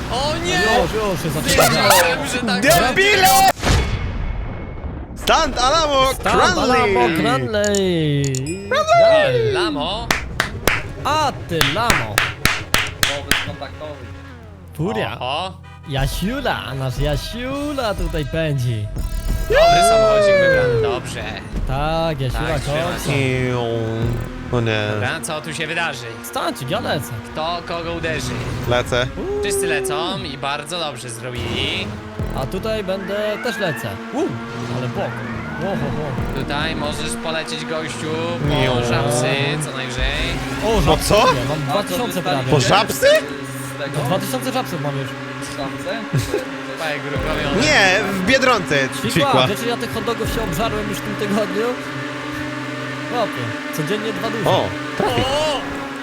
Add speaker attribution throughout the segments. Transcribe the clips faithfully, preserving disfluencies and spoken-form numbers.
Speaker 1: O nie!
Speaker 2: Już, już się zaczyna.
Speaker 1: Wiedziałem, że tak
Speaker 3: Debile! Stand Alamo
Speaker 2: Tam, Alamo,
Speaker 3: Cranley!
Speaker 2: Cranley!
Speaker 1: Lamo!
Speaker 2: A ty, Lamo!
Speaker 4: Wobec kontaktowy.
Speaker 2: Furia!
Speaker 1: O,
Speaker 2: Jasiula, nasz Jasiula tutaj pędzi.
Speaker 1: dobry samochodzik wybrany, dobrze.
Speaker 2: Tak, Jasiula,
Speaker 1: Tak, trzyma
Speaker 2: końca.
Speaker 3: Iu. O nie,
Speaker 1: Dobra, co tu się wydarzy?
Speaker 2: Stancik, ja lecę.
Speaker 1: Kto kogo uderzy?
Speaker 3: lecę.
Speaker 1: Wszyscy lecą i bardzo dobrze zrobili.
Speaker 2: A tutaj będę, też lecę. Uh, ale bok. Wo, wo, wo.
Speaker 1: Tutaj możesz polecieć gościu
Speaker 3: Miu.
Speaker 1: po żabsy co najwyżej.
Speaker 2: O,
Speaker 3: No
Speaker 2: żabsy
Speaker 3: co?
Speaker 2: lubię, Mam dwa tysiące prawie.
Speaker 3: Po żabsy?
Speaker 4: Z tego?
Speaker 2: dwa tysiące żabsów mam już.
Speaker 4: Szamce?
Speaker 1: Pajek robiony.
Speaker 3: Nie, w Biedronce
Speaker 2: Ćwikła,
Speaker 3: ćwikła.
Speaker 2: wiecie, ja tych hot dogów się obżarłem już w tym tygodniu? Chłopie, codziennie dwa duże.
Speaker 3: O,
Speaker 1: O!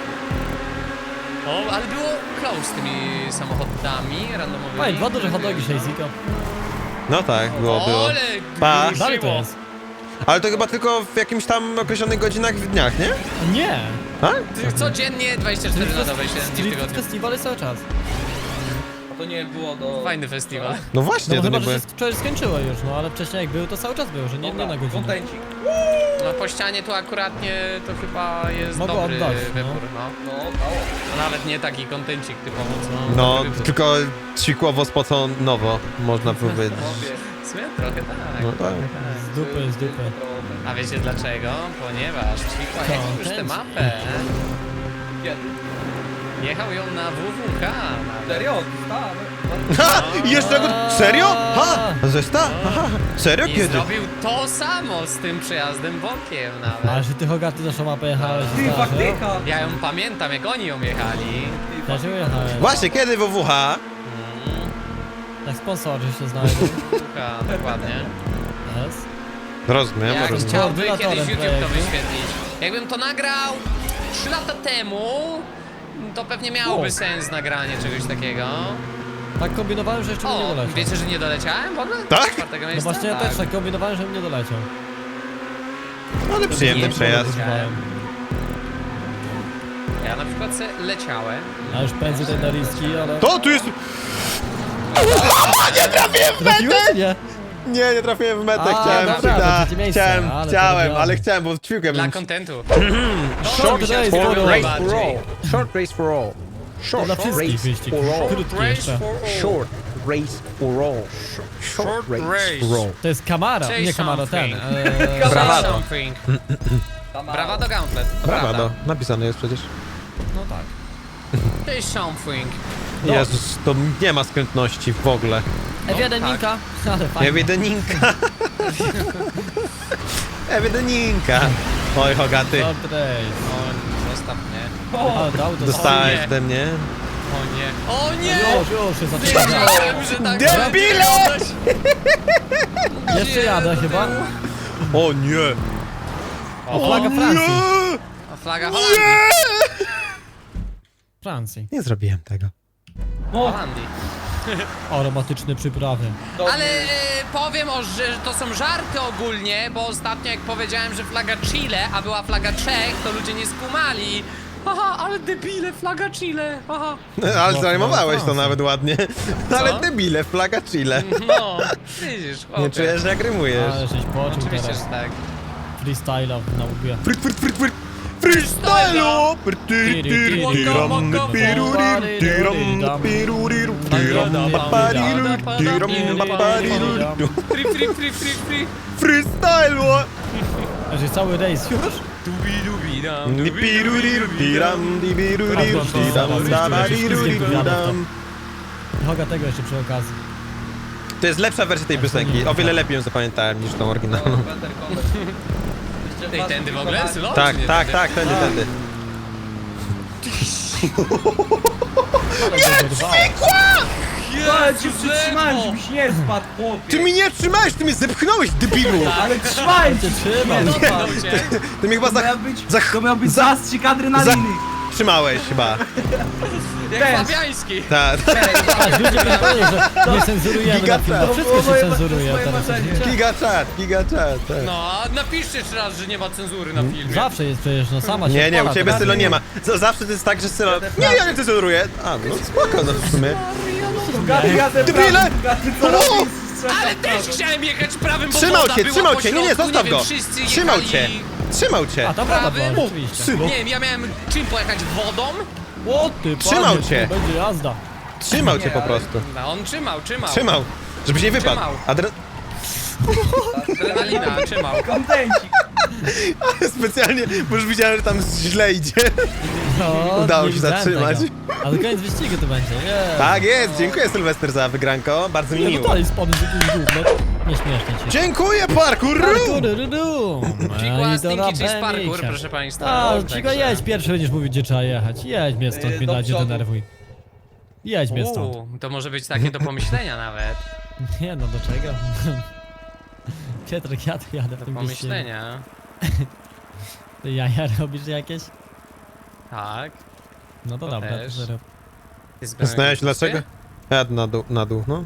Speaker 1: O, ale było close z tymi samochodami randomowymi.
Speaker 2: Fajnie, dwa duże hot dogi, sześćziko.
Speaker 3: no tak, było, było.
Speaker 1: Ale
Speaker 3: Pa.
Speaker 1: grusiło.
Speaker 2: Dalej to jest.
Speaker 3: Ale to chyba tylko w jakimś tam określonych godzinach w dniach, nie?
Speaker 2: Nie!
Speaker 3: A?
Speaker 1: Ty Codziennie dwadzieścia cztery na dobę, siedem dni w
Speaker 2: Street
Speaker 1: tygodniu.
Speaker 2: festiwal jest cały czas.
Speaker 4: A to nie było do...
Speaker 1: Fajny festiwal.
Speaker 3: No
Speaker 2: No
Speaker 3: właśnie,
Speaker 2: bo
Speaker 3: to
Speaker 2: chyba,
Speaker 3: nie
Speaker 2: że
Speaker 3: były...
Speaker 2: się wczoraj skończyło już, no ale wcześniej jak był, to cały czas był, że nie, nie na godzinę.
Speaker 4: Kontencik.
Speaker 1: No po ścianie tu akuratnie to chyba jest
Speaker 2: Mogło
Speaker 1: dobry
Speaker 2: oddać, no.
Speaker 1: wybór, no.
Speaker 4: No, dało.
Speaker 1: To nawet nie taki kontencik typowo, co?
Speaker 3: No,
Speaker 1: dobry wybór.
Speaker 3: tylko ćwikłowo spoconowo, można powiedzieć.
Speaker 4: Chłopie.
Speaker 1: W sumie trochę tak.
Speaker 3: No tak.
Speaker 2: Z dupy, z dupy.
Speaker 1: A wiecie dlaczego? Ponieważ Ćwikła
Speaker 2: Co?
Speaker 1: jechał już tę
Speaker 2: Chęć.
Speaker 1: mapę.
Speaker 4: Kiedy?
Speaker 1: Jechał ją na W W K. nawet.
Speaker 4: Serio? Tak.
Speaker 3: Ha! I jeszcze go... Serio? Ha! Zesta? Aha! Serio?
Speaker 1: I
Speaker 3: Kiedy?
Speaker 1: zrobił to samo z tym przejazdem bokiem nawet.
Speaker 2: Ale że ty Hogaty naszą mapę jechałeś,
Speaker 4: Ty,
Speaker 2: zdarza?
Speaker 4: faktyka!
Speaker 1: Ja ją pamiętam, jak oni ją jechali.
Speaker 2: Też ją jechałem.
Speaker 3: Właśnie, kiedy W W H?
Speaker 2: Jak sponsorzy się znajdą.
Speaker 1: Słucha, dokładnie.
Speaker 2: Jest.
Speaker 3: Rozumiem,
Speaker 1: Jak
Speaker 3: rozumiem.
Speaker 1: chciałby
Speaker 2: Koordynatorem
Speaker 1: kiedyś YouTube to
Speaker 2: projektu.
Speaker 1: wyświetlić. Jakbym to nagrał trzy lata temu, to pewnie miałoby
Speaker 2: O.
Speaker 1: sens nagranie czegoś takiego.
Speaker 2: Tak kombinowałem, że jeszcze bym nie
Speaker 1: O,
Speaker 2: doleciał.
Speaker 1: wiecie, że nie doleciałem w ogóle?
Speaker 3: Tak?
Speaker 1: Do czwartego
Speaker 2: No
Speaker 1: miejsca?
Speaker 2: właśnie ja
Speaker 1: Tak.
Speaker 2: też tak kombinowałem, żebym nie doleciał.
Speaker 3: Ale przyjemny
Speaker 1: Nie,
Speaker 3: przejazd.
Speaker 2: Kombinowałem.
Speaker 1: Ja na przykład se leciałem.
Speaker 2: Ja już pędzę tutaj na riski, ale...
Speaker 3: To tu jest...
Speaker 2: Trafiłeś? Nie.
Speaker 3: Nie, nie trafiłem w metę,
Speaker 2: A,
Speaker 3: chciałem...
Speaker 2: dobra,
Speaker 3: da,
Speaker 2: to trzecie miejsce,
Speaker 3: chciałem,
Speaker 2: ale
Speaker 3: chciałem,
Speaker 2: porobione.
Speaker 3: ale chciałem, bo ćwikę
Speaker 1: Dla
Speaker 3: bym...
Speaker 1: kontentu.
Speaker 2: Short
Speaker 1: mi się
Speaker 2: race
Speaker 1: otworzyło
Speaker 2: for all.
Speaker 1: najbardziej.
Speaker 5: Short race for all.
Speaker 2: To
Speaker 5: Short
Speaker 2: dla wszystkich
Speaker 5: race
Speaker 2: wyścig.
Speaker 5: for all.
Speaker 2: Krótki
Speaker 1: Race
Speaker 2: jeszcze.
Speaker 1: for all.
Speaker 5: Short race for all. Short race for all.
Speaker 2: To jest Camaro,
Speaker 1: Chase
Speaker 2: nie Camaro, ten.
Speaker 1: something.
Speaker 2: Eee,
Speaker 3: Bravado.
Speaker 1: Something. Bravado Gauntlet. to
Speaker 3: Brawado,
Speaker 1: prawda.
Speaker 3: napisane jest przecież.
Speaker 2: no tak.
Speaker 1: To jest something.
Speaker 2: No.
Speaker 3: Jezus, to nie ma skrętności w ogóle.
Speaker 2: F jeden
Speaker 1: tak.
Speaker 2: Ninka, ale fajnie.
Speaker 3: Ewideninka. Ewideninka. Oj, Hogaty.
Speaker 2: Short race.
Speaker 1: O, zostaw mnie.
Speaker 2: Ale to auto
Speaker 3: Dostałeś
Speaker 1: O nie.
Speaker 3: ode mnie.
Speaker 1: O nie. O nie!
Speaker 2: Już, już się zaczyna.
Speaker 1: Wiedziałem, że tak
Speaker 3: Debile!
Speaker 2: Jeszcze jadę chyba.
Speaker 3: O nie.
Speaker 2: O, flaga Francji.
Speaker 3: Nie!
Speaker 1: A flaga Holandii.
Speaker 2: Francji.
Speaker 3: Nie zrobiłem tego.
Speaker 1: Holandii.
Speaker 2: Aromatyczne przyprawy.
Speaker 1: Ale e, powiem, o, że to są żarty ogólnie, bo ostatnio jak powiedziałem, że flaga Chile, a była flaga Czech, to ludzie nie skumali. Haha, ale debile, flaga Chile, haha.
Speaker 3: Ale
Speaker 2: No,
Speaker 3: zajmowałeś to
Speaker 2: no,
Speaker 3: nawet ładnie. Ale debile, flaga Chile.
Speaker 1: No, widzisz, chłopie.
Speaker 3: Nie czujesz, że jak rymujesz.
Speaker 2: Ale żeś poczuł
Speaker 1: Oczywiście, że
Speaker 2: teraz.
Speaker 1: tak.
Speaker 2: Freestyle'a na łbie.
Speaker 3: Fryt, fryt, fryt, fryt. Freestylo! Tyry, tyry, tyram, piruriru, tyram, piruriru, tyram, papariru, tyram, papariru.
Speaker 1: Free, free, free, free, free.
Speaker 3: Freestylo!
Speaker 2: A że cały rejs już?
Speaker 1: Dubi, dubi, dam,
Speaker 3: Di piruriru, tiram, di piruriru, tiram, dabariru, dam.
Speaker 2: Hoga tego jeszcze przy okazji.
Speaker 3: To jest lepsza wersja tej piosenki. O wiele lepiej ją zapamiętałem niż tą oryginalną.
Speaker 1: Tej tędy w ogóle? Sylo?
Speaker 3: Tak,
Speaker 1: Czy nie
Speaker 3: tak,
Speaker 1: tędy?
Speaker 3: tak, tędy, tędy.
Speaker 4: Ale cię przytrzymałem, żebyś nie spadł, chłopie.
Speaker 3: Ty mi nie trzymałeś, ty mnie zepchnąłeś, debilu!
Speaker 4: Ale trzymałem cię.
Speaker 2: Cię trzymam.
Speaker 1: Dotknął cię.
Speaker 3: Ty mnie chyba
Speaker 4: To miał
Speaker 3: za...
Speaker 4: być,
Speaker 3: za...
Speaker 4: to miał być
Speaker 3: za-
Speaker 4: zastrzyk adrenaliny.
Speaker 3: Trzymałeś chyba.
Speaker 1: Jak
Speaker 4: Też.
Speaker 1: Fabiański.
Speaker 3: Tak.
Speaker 2: Patrz, ludzie powiedzieli, że nie cenzurujemy na film. No wszystko się cenzuruje
Speaker 4: moje
Speaker 2: teraz.
Speaker 4: marzenie.
Speaker 2: wiecie?
Speaker 3: Giga chat, giga chat, tak.
Speaker 1: No, a napiszcie jeszcze raz, że nie ma cenzury na filmie.
Speaker 2: Zawsze jest przecież, no sama się
Speaker 3: Nie, nie, u
Speaker 2: odpala,
Speaker 3: ciebie
Speaker 2: to
Speaker 3: Sylo nie ma. Z- Zawsze to jest tak, że Sylo... Nie, ja nie cenzuruję. A, no spoko, no w sumie.
Speaker 4: Gaty, gaty,
Speaker 3: Debile!
Speaker 4: gaty, co
Speaker 3: O!
Speaker 4: robisz?
Speaker 1: Ale też chciałem jechać prawym, bo
Speaker 3: Trzymał
Speaker 1: woda
Speaker 3: cię,
Speaker 1: była
Speaker 3: trzymał
Speaker 1: po
Speaker 3: cię, nie, nie,
Speaker 1: środku,
Speaker 3: zostaw
Speaker 1: wiem,
Speaker 3: go.
Speaker 1: wszyscy
Speaker 3: Trzymał
Speaker 1: jechali-
Speaker 3: cię. Trzymał cię.
Speaker 2: A to prawda
Speaker 1: Prawym?
Speaker 2: była,
Speaker 3: O,
Speaker 2: oczywiście.
Speaker 3: Sylo,
Speaker 1: Nie wiem, ja miałem czym pojechać wodą?
Speaker 2: O ty,
Speaker 3: Trzymał
Speaker 2: panie,
Speaker 3: cię.
Speaker 2: to będzie jazda.
Speaker 3: trzymał cię
Speaker 4: Nie,
Speaker 3: po
Speaker 4: ale-
Speaker 3: prostu.
Speaker 1: No, on trzymał, trzymał.
Speaker 3: Trzymał, żebyś nie wypadł.
Speaker 1: Trzymał.
Speaker 3: Adre...
Speaker 1: Adrenalina, trzymał.
Speaker 4: Kontencik.
Speaker 3: Specjalnie, bo już widziałem, że tam źle idzie.
Speaker 2: No,
Speaker 3: Udało
Speaker 2: nie
Speaker 3: się
Speaker 2: widziałem
Speaker 3: zatrzymać.
Speaker 2: tego. Ale koniec wyścigu to będzie, nie.
Speaker 3: Tak jest, dziękuję Sylwester za wygranko, bardzo mi
Speaker 2: Nie, no
Speaker 3: miło.
Speaker 2: dalej spadł z jakimś gówno. Nie śmiesznie ci.
Speaker 3: Dziękuję, parkour!
Speaker 2: Parkour,
Speaker 1: Cikła, Stinky Cheese Parkour, proszę państwa.
Speaker 2: A,
Speaker 1: Także-
Speaker 2: Cicho, jedź pierwszy, będziesz mówił, gdzie trzeba jechać. Jedź mnie stąd,
Speaker 4: Yy,
Speaker 2: mnie
Speaker 4: do
Speaker 2: dajcie
Speaker 4: przodu.
Speaker 2: denerwuj. Jedź mnie stąd.
Speaker 1: Uuu, to może być takie do pomyślenia nawet.
Speaker 2: Nie no, do czego? Piotrek, ja tu jadę w
Speaker 1: Do
Speaker 2: tym wyścigu.
Speaker 1: pomyślenia.
Speaker 2: Ty jaja robisz jakieś?
Speaker 1: Tak.
Speaker 2: No to
Speaker 1: To
Speaker 2: dobra, to
Speaker 1: też.
Speaker 2: zero.
Speaker 1: Ty z Benem
Speaker 3: Znałeś
Speaker 1: jakieś
Speaker 3: dlaczego? Jad na dół, na dół, no.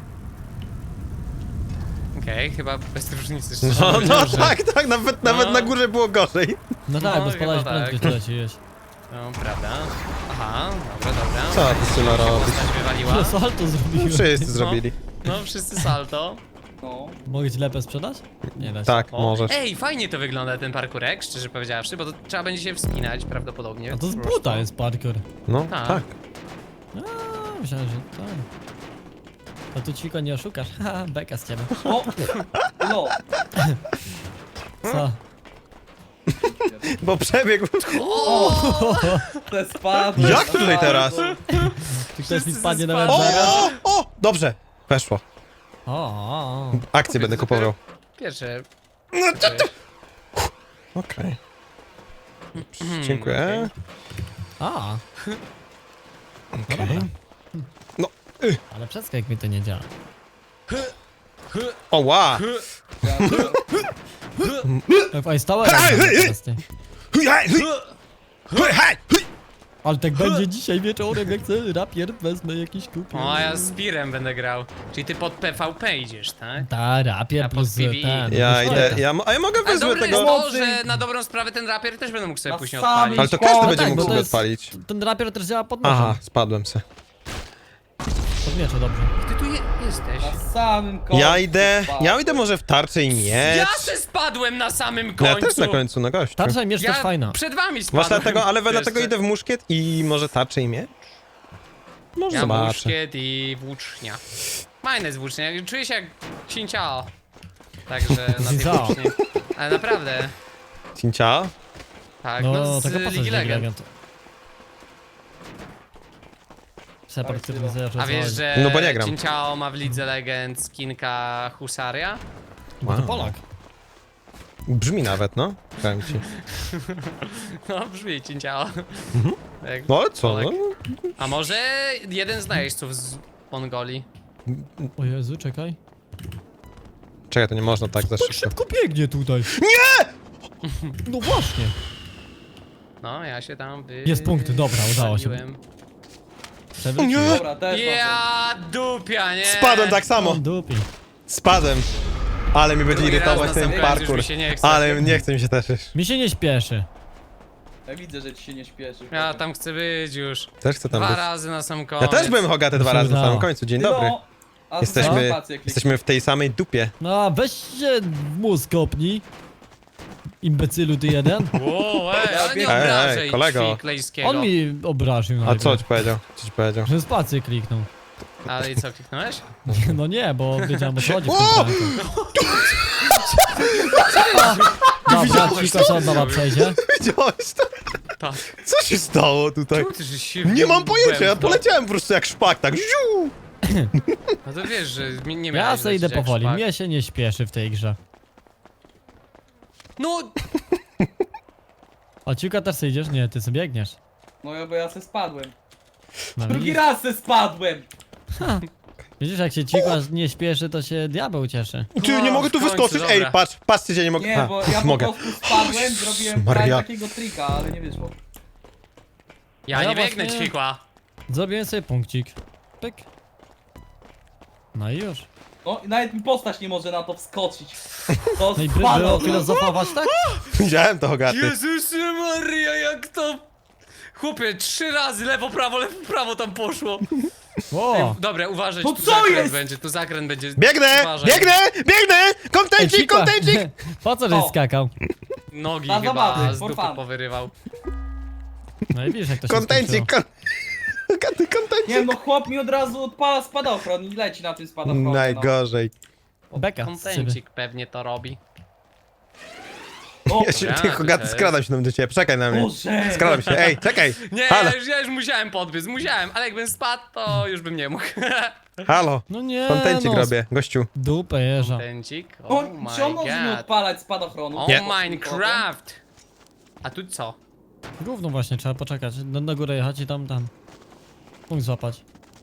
Speaker 1: Okej, chyba bez różnicy. szczerze
Speaker 3: No, no
Speaker 1: mówiąc, że-
Speaker 3: tak, tak, nawet, nawet
Speaker 1: No.
Speaker 3: na górze było gorzej.
Speaker 2: No tak,
Speaker 1: No,
Speaker 2: bo spadałeś
Speaker 1: chyba tak.
Speaker 2: prędkość, tyle ci jeść.
Speaker 1: No, prawda. Aha, dobra, dobra.
Speaker 3: Co ty, Sylo, robisz?
Speaker 1: Postać wywaliła.
Speaker 2: No salto zrobiłem.
Speaker 3: Wszyscy zrobili.
Speaker 1: No, wszyscy salto.
Speaker 4: No.
Speaker 2: Mogę ci lepę sprzedać? Nie da się.
Speaker 3: Tak,
Speaker 1: O,
Speaker 3: możesz.
Speaker 1: Ej, fajnie to wygląda ten parkurek, szczerze powiedziawszy, bo to trzeba będzie się wspinać prawdopodobnie.
Speaker 2: A to z
Speaker 1: po prostu.
Speaker 2: buta jest parkour.
Speaker 3: No,
Speaker 1: Tak.
Speaker 3: tak.
Speaker 2: A, myślałem, że tak. To tu Ciko nie oszukasz. Haha, beka z ciebie.
Speaker 4: O! No.
Speaker 2: Co?
Speaker 3: Bo przebiegł.
Speaker 4: Te spadły.
Speaker 3: Jak tutaj teraz?
Speaker 2: Czy ktoś mi
Speaker 1: Wszyscy
Speaker 2: spadnie
Speaker 1: ze
Speaker 2: nawet
Speaker 3: O,
Speaker 1: spadem.
Speaker 2: zaraz?
Speaker 3: o, o! Dobrze, weszło.
Speaker 2: O, o, o.
Speaker 3: Akcję będę kupował.
Speaker 1: Pierwsze.
Speaker 3: Okej.
Speaker 1: Hmm,
Speaker 3: Dziękuję.
Speaker 2: A.
Speaker 3: Okej. No,
Speaker 2: Ale przeskok mi to nie działa.
Speaker 3: o ła!
Speaker 2: Ej, stałe
Speaker 3: Hej, hej, hej!
Speaker 2: ty.
Speaker 3: Hui, hej, hui! Hui, hej, hui!
Speaker 2: Ale tak będzie dzisiaj wieczorem, jak chcę rapier, wezmę jakiś kupię.
Speaker 1: O, a ja z Pirem będę grał. Czyli ty pod P V P idziesz, tak?
Speaker 2: Ta, rapier
Speaker 1: A
Speaker 2: plus
Speaker 1: pod P V E.
Speaker 2: ten.
Speaker 3: Ja
Speaker 2: plus
Speaker 3: idę,
Speaker 2: ten.
Speaker 3: ja, mo- a ja mogę
Speaker 1: Ale
Speaker 3: wezmę
Speaker 1: dobre jest
Speaker 3: tego...
Speaker 1: to, że na dobrą sprawę ten rapier też będę mógł sobie
Speaker 4: Na
Speaker 1: później
Speaker 4: samym
Speaker 1: odpalić.
Speaker 3: Ale to
Speaker 4: No
Speaker 3: każdy
Speaker 4: tak,
Speaker 3: będzie
Speaker 2: bo
Speaker 3: mógł
Speaker 2: to
Speaker 3: sobie
Speaker 2: jest-
Speaker 3: odpalić.
Speaker 2: Ten rapier też działa pod nożem.
Speaker 3: Aha, spadłem se.
Speaker 2: Pod mieczu, dobrze.
Speaker 1: Ty tu je jesteś.
Speaker 4: Na samym końcu.
Speaker 3: Ja idę,
Speaker 4: spadły.
Speaker 3: ja idę może w tarczę i miecz.
Speaker 1: Ja se spadłem na samym
Speaker 3: No
Speaker 1: końcu.
Speaker 3: ja też na końcu, na gościu.
Speaker 2: Tarcza i miecz
Speaker 1: Ja
Speaker 2: też fajna.
Speaker 1: przed wami spadłem.
Speaker 3: Właśnie dlatego, ale
Speaker 1: Jeszcze.
Speaker 3: dlatego idę w muszkiet i może tarczę i miecz? Może
Speaker 1: Ja
Speaker 3: zobaczę.
Speaker 1: muszkiet i włócznia. Fajne jest włócznia, czuję się jak cinciao. Także na tej
Speaker 2: Cinciao.
Speaker 1: włóczni. Ale naprawdę.
Speaker 3: Cincia?
Speaker 1: Tak, no,
Speaker 2: No,
Speaker 1: z
Speaker 2: taka postać
Speaker 1: Ligi Legend.
Speaker 2: Legend. Separ, który nie zaczął
Speaker 1: A wiesz, że
Speaker 3: No bo nie gram.
Speaker 1: Cinciao ma w Lidze Legend skinka Husaria?
Speaker 2: Bo to Polak.
Speaker 3: Brzmi nawet, no. Powiem ci.
Speaker 1: No brzmi Cinciao. Tak.
Speaker 3: No ale co,
Speaker 1: Polak.
Speaker 3: no?
Speaker 1: A może jeden z najeźdźców z Mongolii?
Speaker 2: O Jezu, czekaj.
Speaker 3: Czekaj, to nie można tak za
Speaker 2: Tak
Speaker 3: szybko.
Speaker 2: szybko biegnie tutaj. Nie! No właśnie.
Speaker 1: No, ja się tam wy...
Speaker 2: Jest punkt, dobra, udało się.
Speaker 1: waliłem.
Speaker 2: Przewrócił.
Speaker 3: Nie!
Speaker 4: Dobra, też mam.
Speaker 1: Ja dupia, nie?
Speaker 3: Spadłem tak samo.
Speaker 2: On dupi.
Speaker 3: Spadłem. Ale mi będzie
Speaker 1: Drugi
Speaker 3: irytować
Speaker 1: raz na
Speaker 3: ten
Speaker 1: sam koniec,
Speaker 3: parkour.
Speaker 1: już mi się nie chce.
Speaker 3: Ale nie chce mi się też już.
Speaker 2: Mi się nie śpieszy.
Speaker 4: Ja widzę, że ci się nie śpieszy.
Speaker 1: Ja tam chcę być już.
Speaker 3: Też chcę tam
Speaker 1: Dwa
Speaker 3: być.
Speaker 1: razy na sam koniec.
Speaker 3: Ja też byłem Hogaty dwa
Speaker 2: Mi się
Speaker 3: razy na samym
Speaker 2: udało.
Speaker 3: końcu. Dzień
Speaker 4: No,
Speaker 3: dobry.
Speaker 4: a
Speaker 3: Jesteśmy,
Speaker 4: spację kliknij.
Speaker 3: jesteśmy w tej samej dupie.
Speaker 2: No, weź się w mózg kopnij. Imbecylu ty jeden.
Speaker 1: Wow, ej, ale nie
Speaker 4: Ej,
Speaker 1: obrażaj
Speaker 3: ej, kolego.
Speaker 1: Klejskiego.
Speaker 2: On mi obraził
Speaker 3: A
Speaker 2: najpierw.
Speaker 3: co ci powiedział? Co ci powiedział?
Speaker 2: Że spację kliknął.
Speaker 1: Ale i co, kliknąłeś?
Speaker 2: No nie, bo wiedziałem o co chodzi w
Speaker 3: O!
Speaker 2: tym Dobra, Ciko się od nowa przejdzie.
Speaker 3: Widziałeś to?
Speaker 1: Tak.
Speaker 3: Co się stało tutaj?
Speaker 1: Ty, że się
Speaker 3: Nie mam pojęcia, ja
Speaker 1: wbębnął.
Speaker 3: poleciałem po prostu jak szpak, tak ziu!
Speaker 1: No to wiesz, że mi- nie
Speaker 2: Ja
Speaker 1: miałeś
Speaker 2: se idę
Speaker 1: lecieć jak
Speaker 2: powoli,
Speaker 1: szpak.
Speaker 2: mnie się nie śpieszy w tej grze.
Speaker 1: No,
Speaker 2: O, Ciuka też sobie idziesz? Nie, ty sobie biegniesz.
Speaker 4: No ja, bo ja se spadłem.
Speaker 2: No,
Speaker 4: Drugi
Speaker 2: widzisz?
Speaker 4: raz se spadłem!
Speaker 2: Widzisz, jak się Cikła nie śpieszy, to się diabeł cieszy.
Speaker 3: Ty, nie
Speaker 1: No,
Speaker 3: mogę tu
Speaker 1: w końcu,
Speaker 3: wyskoczyć, ej,
Speaker 1: dobra.
Speaker 3: patrz, patrzcie, że nie mogę.
Speaker 4: Nie,
Speaker 3: A,
Speaker 4: bo ja po
Speaker 3: mogę.
Speaker 4: prostu spadłem, zrobiłem
Speaker 3: Maria.
Speaker 4: prawie takiego trika, ale nie wyszło.
Speaker 1: ja
Speaker 2: A ja
Speaker 1: nie biegnę
Speaker 2: właśnie-
Speaker 1: ćwikła.
Speaker 2: Zrobiłem sobie punkcik. Pyk. No i już.
Speaker 4: No i nawet mi postać nie może na to wskoczyć. To
Speaker 2: No i by,
Speaker 4: spadło.
Speaker 2: było filozofować, tak?
Speaker 3: Widziałem to, Hogaty.
Speaker 1: Jezus Maria, jak to... Chłopie, trzy razy lewo, prawo, lewo, prawo tam poszło.
Speaker 2: O!
Speaker 1: Ej, dobra, uważaj,
Speaker 4: To
Speaker 1: tu
Speaker 4: co
Speaker 1: zakręt
Speaker 4: jest?
Speaker 1: będzie, tu zakręt będzie.
Speaker 3: Biegnę!
Speaker 1: Uważaj.
Speaker 3: Biegnę! Biegnę!
Speaker 2: Ej,
Speaker 3: Kontencik,
Speaker 2: Fika,
Speaker 3: kontencik!
Speaker 2: po co żeś
Speaker 4: O.
Speaker 2: skakał?
Speaker 1: Nogi
Speaker 4: Na
Speaker 1: chyba
Speaker 4: zabawy,
Speaker 1: z
Speaker 4: for
Speaker 1: dupy
Speaker 4: fun.
Speaker 1: powyrywał.
Speaker 2: No i widzisz jak to się
Speaker 3: Kontencik,
Speaker 2: skończyło.
Speaker 3: kon... Hogaty,
Speaker 4: Nie
Speaker 3: kontencik!
Speaker 4: wiem, no chłop mi od razu odpala spadochron i leci na tym spadochronie. No.
Speaker 3: Najgorzej.
Speaker 2: Beka z
Speaker 1: Kontencik pewnie to robi.
Speaker 4: No.
Speaker 3: Ja się,
Speaker 1: Ja,
Speaker 3: ty,
Speaker 1: to
Speaker 3: Hogaty,
Speaker 1: też.
Speaker 3: skradam się tam do ciebie, czekaj na mnie.
Speaker 4: Boże!
Speaker 3: Skradam się, ej, czekaj!
Speaker 1: Nie,
Speaker 3: Halo,
Speaker 1: ja już, ja już musiałem podbiec, musiałem, ale jakbym spadł, to już bym nie mógł.
Speaker 3: halo!
Speaker 2: No nie
Speaker 3: Kontencik
Speaker 2: no,
Speaker 3: robię, gościu.
Speaker 2: dupę jeża.
Speaker 1: Kontencik,
Speaker 4: No,
Speaker 1: oh
Speaker 4: czy on
Speaker 1: my
Speaker 4: może nie
Speaker 1: god.
Speaker 4: odpalać spadochronu?
Speaker 1: O
Speaker 3: Nie.
Speaker 1: Minecraft! A tu co?
Speaker 2: Gówno właśnie, trzeba poczekać. Na, na górę jechać i tam, tam. Punkt złapać.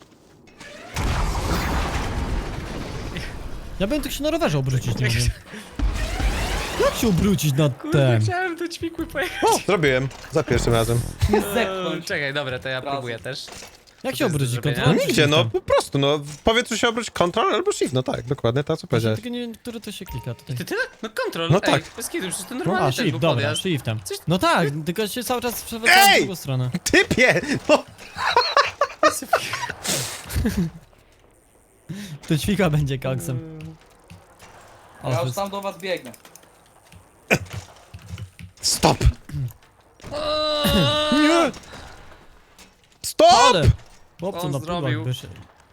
Speaker 2: Ja bym tak się na rowerze obrócić, nie wiem. Jak się obrócić na
Speaker 1: Kurde,
Speaker 2: ten?
Speaker 1: chciałem do ćwikły pojechać.
Speaker 3: O, zrobiłem. Za pierwszym razem.
Speaker 4: Nie
Speaker 1: Eee,
Speaker 4: zepchnąć.
Speaker 1: Czekaj, dobra, to ja
Speaker 4: Razem.
Speaker 1: próbuję też.
Speaker 2: Jak
Speaker 1: to
Speaker 2: się
Speaker 1: jest do
Speaker 2: obrócić?
Speaker 1: zrobienia?
Speaker 2: Kontrolą
Speaker 3: No
Speaker 2: czy
Speaker 3: nigdzie, no
Speaker 2: shiftem?
Speaker 3: po prostu, no w powietrzu się obróć Ctrl albo Shift, no tak, dokładnie to, co
Speaker 2: Właśnie
Speaker 3: powiedziałeś.
Speaker 2: tylko nie wiem, który to się klika tutaj.
Speaker 1: Ty tyle? No kontrol,
Speaker 3: No
Speaker 1: ej,
Speaker 3: tak.
Speaker 1: bez kitu, przecież to
Speaker 2: No,
Speaker 1: normalnie
Speaker 2: a,
Speaker 1: ten był
Speaker 2: shift, dobra,
Speaker 1: podjazd.
Speaker 2: shiftem.
Speaker 1: Coś-
Speaker 2: No tak, tylko się cały czas przewracam w
Speaker 3: Ej!
Speaker 2: drugą stronę.
Speaker 3: Typie! No,
Speaker 2: To ćwika będzie koksem. O,
Speaker 4: Ja
Speaker 2: to
Speaker 4: już
Speaker 2: jest-
Speaker 4: tam do was biegnę.
Speaker 3: stop!
Speaker 1: Eee,
Speaker 3: Nie! Stop!
Speaker 2: Ale! Chłopcu
Speaker 1: On
Speaker 2: na
Speaker 1: zrobił.
Speaker 2: pudłach wyszedł.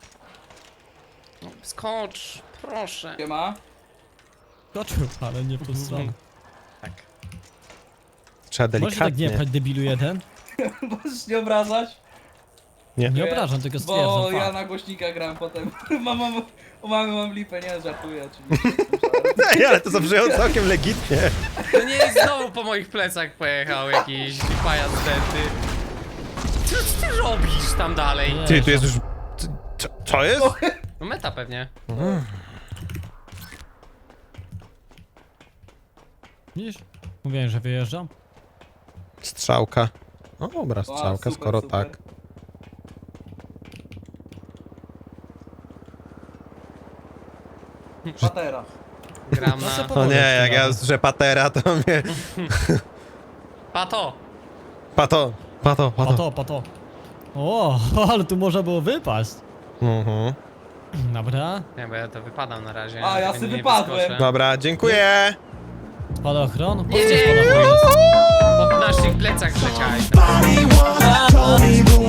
Speaker 1: Skocz, proszę.
Speaker 4: Siema.
Speaker 2: Skoczył, ale nie w tą stronę.
Speaker 1: Tak.
Speaker 3: Trzeba
Speaker 2: Możesz tak nie
Speaker 3: delikatnie.
Speaker 2: pchać, debilu jeden?
Speaker 4: Możesz nie obrażać?
Speaker 2: Nie
Speaker 4: Ja-
Speaker 2: obrażam, tylko
Speaker 4: Bo
Speaker 2: stwierdzam.
Speaker 4: ja
Speaker 2: fakt.
Speaker 4: na głośnika gram potem. mam, mam, u mamy mam lipę, nie żartuję oczywiście.
Speaker 3: Ej, ale to zabrzmiało całkiem legitnie.
Speaker 1: To nie jest znowu po moich plecach pojechał jakiś pajac denty. Co ty robisz tam dalej?
Speaker 2: Nie.
Speaker 3: Ty, tu jest już... Co, co jest?
Speaker 1: No meta pewnie.
Speaker 2: Widzisz? Mówiłem, że wyjeżdżam.
Speaker 3: Strzałka. O, dobra, strzałka,
Speaker 4: super,
Speaker 3: skoro
Speaker 4: super.
Speaker 3: tak.
Speaker 4: Patera.
Speaker 1: Gram
Speaker 2: No
Speaker 1: na...
Speaker 2: co
Speaker 3: O
Speaker 2: Powoli
Speaker 3: nie, jak
Speaker 2: odkrywane.
Speaker 3: ja że patera, to mnie...
Speaker 1: Pato!
Speaker 3: Pato, pato, pato.
Speaker 2: Pato, pato. O, ale tu można było wypaść.
Speaker 3: Mhm.
Speaker 2: Dobra.
Speaker 1: Nie, bo ja to wypadam na razie.
Speaker 4: A, ja
Speaker 1: tego
Speaker 4: se
Speaker 1: nie
Speaker 4: wypadłem.
Speaker 1: wyskoczę.
Speaker 3: Dobra, dziękuję.
Speaker 2: Spadochron? Po co
Speaker 1: Jedzie!
Speaker 2: spadochron jest?
Speaker 1: Po naszych plecach leciałeś.
Speaker 6: Body once told me the